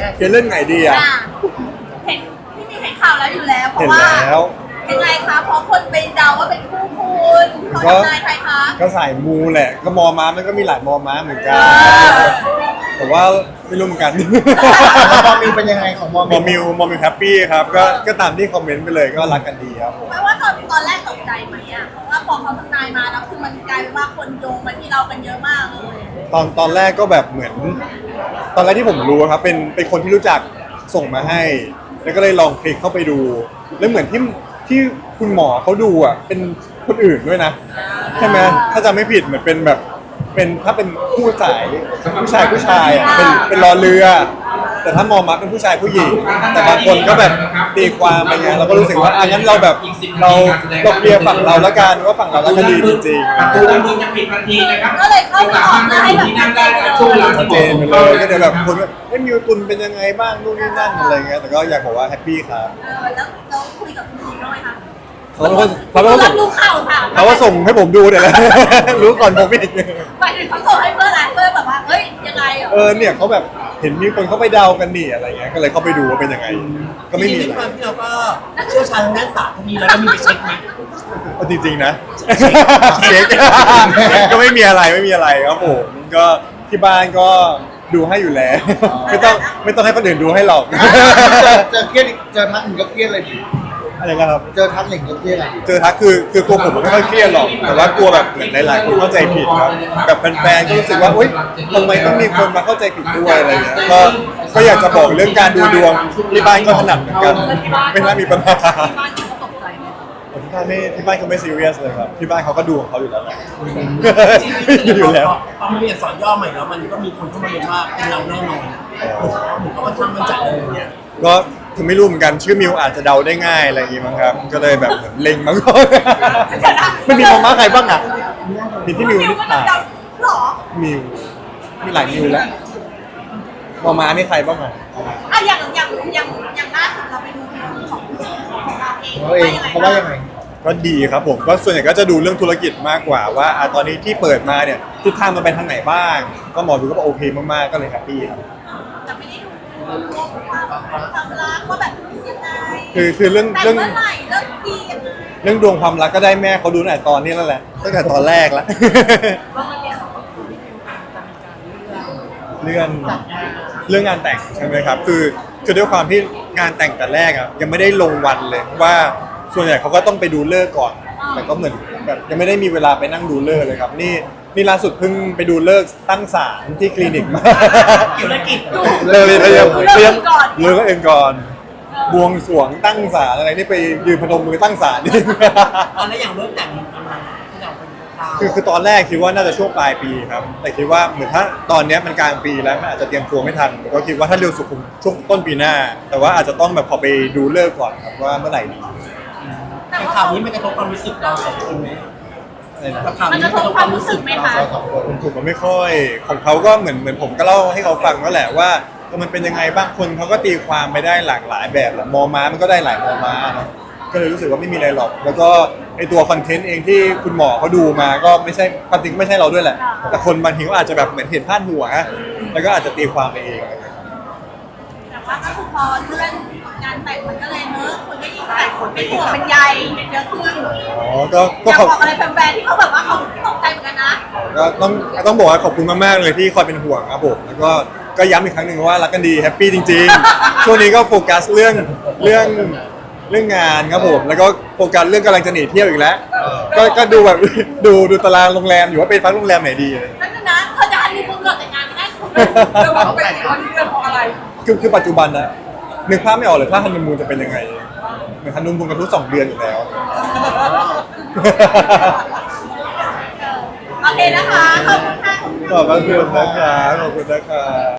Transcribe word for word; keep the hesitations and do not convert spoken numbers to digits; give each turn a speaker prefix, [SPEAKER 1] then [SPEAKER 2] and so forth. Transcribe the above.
[SPEAKER 1] เคลียร์เรื่องไหนดีอ่ะ
[SPEAKER 2] เห็นพี่มีเห็นข่าวแล้วอยู่แล้วเพ
[SPEAKER 1] เห็
[SPEAKER 2] ราะ
[SPEAKER 1] น
[SPEAKER 2] ว่า
[SPEAKER 1] แล้ว
[SPEAKER 2] ยังไงคะเพราะคนไปเดาว่าเป็นคู่คุณเขาทำนายใครคะ
[SPEAKER 1] ก็สายมูแหละ ก็มอม้ามันก็มีหลายมอม้าเหมือนกัน แต่ว่าไม่รู้เหมือนกัน
[SPEAKER 3] มอมิวเป็นยังไงของมอ
[SPEAKER 1] มอมิวมอมิวแฮปปี้ครับก็ก็ตามที่คอมเมนต์ไปเลยก็รักกันดีครับผม
[SPEAKER 2] ไม่ว่าตอนตอนแรกตกใจไหมอ่ะเพราะว่าพอเขาทำนายมาแล้วคือมันกลายเป็นว่าคนโยงมาที่เรากันเยอะมากเลย
[SPEAKER 1] ตอนตอนแรกก็แบบเหมือน ตอนแรกที่ผมรู้ครับเป็นเป็นคนที่รู้จักส่งมาให้ แล้วก็เลยลองคลิกเข้าไปดู แล้วเหมือนที่ที่คุณหมอเขาดูอ่ะเป็นคนอื่นด้วยนะใช่ไหมถ้าจำไม่ผิดเหมือนเป็นแบบเป็นถ้าเป็นผู้สายผู้ชายผู้ชายอ่ะเป็นเป็นรอเรือ แต่ถ้ามองมาเป็นผู้ชายผู้หญิง แต่บางคนก็แบบตีความไปไงเราก็รู้สึกว่าอันนั้นเราแบบเราเราเคลียร์ฝั่งเราแล้วกันว่าฝั่งเรารักกันดีจริง
[SPEAKER 4] ประตูด้านบนจะปิดทันทีนะครับ
[SPEAKER 2] ก็เลยเข้าไปออกมาให้แบบ
[SPEAKER 4] ที่นั่งได้กับช่วงเวลา
[SPEAKER 1] ๆชัดเจนไปเลยก็เดี๋ยวแบบคนว่าเอ้ยมิวตุนเป็นยังไงบ้างนู่นนี่นั่นอะไรเงี้ยแต่ก็อยากบอกว่าแฮปปี้ครับ
[SPEAKER 2] เออแล้วเราคุยกับคุณหญิงด้วยค่ะ
[SPEAKER 1] เขาเป็นคนเขาเป็นคน
[SPEAKER 2] รับรู้ข่าวค่ะ
[SPEAKER 1] เขาว่าส่งให้ผมดูเดี๋ยวแหละ รู้ก่อนผมอีก
[SPEAKER 2] หมายถึงเขาส่งให้เพื่อนอะไรเพื่อนแบบว่าเฮ้ยยังไงอ่ะ
[SPEAKER 1] เออเนี่ยเขาแบบเห็นมีคนเขาไปเดากันนี่อะไรเงี้ยก็เลยเข้าไปดูว่าเป็นยังไง ก็ไม่มี
[SPEAKER 3] จริ
[SPEAKER 1] อะ
[SPEAKER 3] งๆ
[SPEAKER 1] ไร
[SPEAKER 3] ความที่เราก็เชี่ยวชาญทางด้านศาสตร์พวกนี้แล้วเรามีไปเช็คไหม
[SPEAKER 1] เอาจริงๆนะเช็ค ก็ไม่มีอะไรไม่มีอะไรครับผมก็ที่บ้านก็ดูให้อยู่แล้ว ไม่ต้องไม่ต้องให้คนอื่นดูให้หรอก
[SPEAKER 3] เจอเครียดเจอทักหนึ่งก็เครียดเลยดิ
[SPEAKER 1] อะไรนะครับ
[SPEAKER 3] เจอทักหนึ่งก็เครียดเลย
[SPEAKER 1] เจอทักคือคือตัวผมไม่ค่อยเครียดหรอกแต่ว่ากลัวแบบเหมือนหลายๆคนเข้าใจผิดครับแบบแฟนๆก็รู้สึกว่าอุ๊ยทำไมต้องมีคนมาเข้าใจผิดด้วยอะไรเงี้ยก็ก็อยากจะบอกเรื่องการดูดวงที่บ้านก็ถนัดเหมือนกันไม่น่ามีปัญหา
[SPEAKER 2] ที่บ้านเขาตกใจไหม
[SPEAKER 1] ที่บ้านไม่ที่บ้านเขาไม่ซีเรียสเลยครับที่บ้านเขาก็ดูของเขาอยู่แล้วแหละ อยู่แล้ว
[SPEAKER 3] พอมาเรียนสอนย่อใหม่แล้วมันก็มีคนเข้ามาเรียนว่าเป็นเราแน่นอนผมก็ค่อนข้างมั่นใจเลยเนี่ย
[SPEAKER 1] ก็ถึงไม่รู้เหมือนกันชื่อมิวอาจจะเดาได้ง่ายอะไรอย่างงี้มั้งครับก็เลยแบบเหมือนเล็งมั้ง ไม่มีมองม้าใครบ้างอ่ะมีที่มิว
[SPEAKER 2] มิว
[SPEAKER 1] นิ
[SPEAKER 2] ก็
[SPEAKER 1] ถา
[SPEAKER 2] เดาหรอ
[SPEAKER 1] มิวมีหลายมิวแล้วมองม้านี่ใครบ้างอ่ะ
[SPEAKER 2] อ่ะอย่างอย่างอย่างอย่างล่าสุดเราไปดูของของเราเอง
[SPEAKER 3] เขาเองเขาว่ายังไง
[SPEAKER 1] ก็ดีครับผมก็ส่วนใหญ่ก็จะดูเรื่องธุรกิจมากกว่าว่าอ่ะตอนนี้ที่เปิดมาเนี่ยทิศทางมันไปทางไหนบ้าง ก็หมอดูก็บอกโอเคมากๆก็เลยแฮปปี้ครับ
[SPEAKER 2] จะไม่ได้ดูรวมความความรักว่าแบบยังไง
[SPEAKER 1] คือคือเรื่อง
[SPEAKER 2] แต่
[SPEAKER 1] เรื่อง
[SPEAKER 2] เมื่อไหร่เริ่มดียังไง
[SPEAKER 1] เรื่องดวงความรักก็ได้แม่เขาดูตั้งแต่ตอนนี้แล้วแหละตั้งแต่ตอนแรกแล้ว เรื่องเรื่องงานแต่งใช่ไหมครับคือคือด้วยความที่งานแต่งแต่แรกอ่ะยังไม่ได้ลงวันเลยว่าส่วนใหญ่เขาก็ต้องไปดูเลิกษ์ก่อน แต่ก็เหมือนแบบยังไม่ได้มีเวลาไปนั่งดูเลิกษ์เลยครับนี่นี่ล่าสุดเพิ่งไปดูเลิกษ์ตั้งศาลที่คลินิกมา
[SPEAKER 3] ธุรกิจ
[SPEAKER 1] เลยเลยเลยเตรียมเลิกเองก่อนบวงสรวงตั้งศาลอะไรนี่ไปยืนพนมมือตั้งศาลนี่
[SPEAKER 3] ตอนแล้วอย่างเริ่มแต่งประมาณที่เราเป็นเรา
[SPEAKER 1] คือคือตอนแรกคิดว่าน่าจะช่วงปลายปีครับ แต่คิดว่าเหมือนถ้าตอนเนี้ยมันกลางปีแล้วมันอาจจะเตรียมตัวไม่ทันก็คิดว่าถ้าเร็วสุดคงช่วงต้นปีหน้า แต่ว่าอาจจะต้องแบบพอไปดูเลิกษ์ก่อนครับว่าเมื่อไหร่ดี
[SPEAKER 2] แต่
[SPEAKER 3] แต่
[SPEAKER 2] ว่า
[SPEAKER 3] ข่าวนี้มันกระทบความรู้สึกเราสองคนไหม
[SPEAKER 1] อะไรนะ
[SPEAKER 3] ข่าว
[SPEAKER 2] มัน
[SPEAKER 3] นี้
[SPEAKER 2] จะทบความรู้สึกไหมคะ
[SPEAKER 3] เราสองคน
[SPEAKER 1] ผมผมก็ไม่ค่อยของเขาก็เหมือนเหมือนผมก็เล่าให้เขาฟังนั่นแหละว่าเออมันเป็นยังไงบ้างคนเขาก็ตีความไปได้หลากหลายแบบแหละมอม้ามันก็ได้หลายมอม้าเนอะก็เลยรู้สึกว่าไม่มีอะไรหรอก แล้วก็ไอตัวคอนเทนต์เองที่คุณหมอเขาดูมาก็ไม่ใช่ความจริงก็ไม่ใช่เราด้วยแหละ แต่คนบางทีก็อาจจะแบบเหมือนเห็นพาดหัวแล้วก็อาจจะตีความไปเองอะไรอย่างเงี้ย
[SPEAKER 2] แต่ว่าก็คือพอเลื่อนงานแต่งมันก็เลยเนอะคนก็ยิ่งแต่งคนเป็นห่วงเป็นใยเยอะขึ้น
[SPEAKER 1] อ๋อก็
[SPEAKER 2] อ
[SPEAKER 1] ก็
[SPEAKER 2] ยาก
[SPEAKER 1] ขอบ
[SPEAKER 2] บอกอะไรแฟนๆที่เขาแบบว่าเขาตกใจเหมือนกันนะ
[SPEAKER 1] ก็ต้องต้องบอกว่าขอบคุณมากๆเลยที่คอยเป็นห่วงครับผมแล้วก็ก็ย้ำอีกครั้งหนึ่งว่ารักกันดีแฮปปี้จริงๆ ช่วงนี้ก็โฟกัสเรื่องเรื่องเรื่องงานครับผมแล้วก็โฟกัสเรื่องกำลังจะหนีเที่ยวอีกแล้ว ก็ก็ดูแบบ ดูดูตารางโรงแรมอยู่ว่าไปพักโรงแรมไหนดีอะไร
[SPEAKER 2] นั่นนะเธอจะฮันนีมูนก่อนแต่งงานไม่ได้เรื่องว่าเป็นคนเรื่องเพราะอะไร
[SPEAKER 1] คือคือปัจจุบันนะนึกภาพไม่ออกเลยถ้าฮันนีมูนจะเป็นยังไงเหมือนฮันนีมูนกันทุกสองเดือนอยู่แล้ว
[SPEAKER 2] โอเคนะคะ ขอบคุณค่ะ
[SPEAKER 1] ขอบคุณนะครับขอบคุณนะครับ